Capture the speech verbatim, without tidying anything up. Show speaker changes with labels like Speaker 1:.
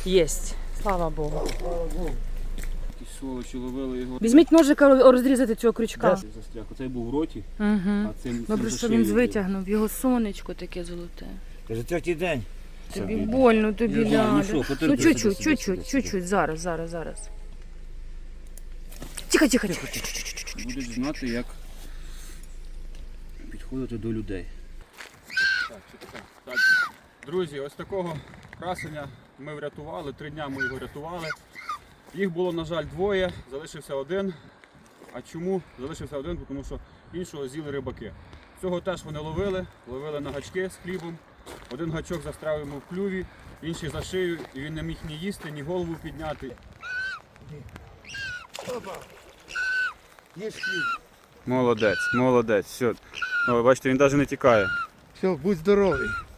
Speaker 1: Єсть. Слава Богу.
Speaker 2: Слава Богу. Ті сволочі ловили його.
Speaker 1: Візьміть ножика розрізати цього крючка.
Speaker 2: Застряг. Оцей був в роті,
Speaker 1: Угу.
Speaker 2: а цим,
Speaker 1: Добре,
Speaker 2: цим
Speaker 1: що
Speaker 2: за
Speaker 1: він
Speaker 2: шиєю.
Speaker 1: витягнув. Його сонечко таке золоте.
Speaker 3: Каже, третій день.
Speaker 1: Тобі
Speaker 2: Це
Speaker 1: больно, тобі
Speaker 2: Я знаю, ну
Speaker 1: ляля.
Speaker 2: що,
Speaker 1: Ну
Speaker 2: потерпи,
Speaker 1: чуть-чуть,
Speaker 2: сюди, сюди,
Speaker 1: чуть-чуть,
Speaker 2: сюди.
Speaker 1: чуть-чуть. Зараз, зараз, зараз. Тихо, тихо, тихо.
Speaker 2: Будуть знати, як підходити до людей. Так, так, так. Друзі, ось такого красення ми врятували, три дня ми його рятували. Їх було, на жаль, двоє, залишився один. А чому залишився один? Тому що іншого з'їли рибаки. Цього теж вони ловили, ловили на гачки з хлібом. Один гачок застряв йому в клюві, інший за шию, і він не міг ні їсти, ні голову підняти.
Speaker 3: Опа. Є хліб.
Speaker 2: Молодець, молодець. Все. О, бачите, він навіть не тікає.
Speaker 3: Все, будь здоровий.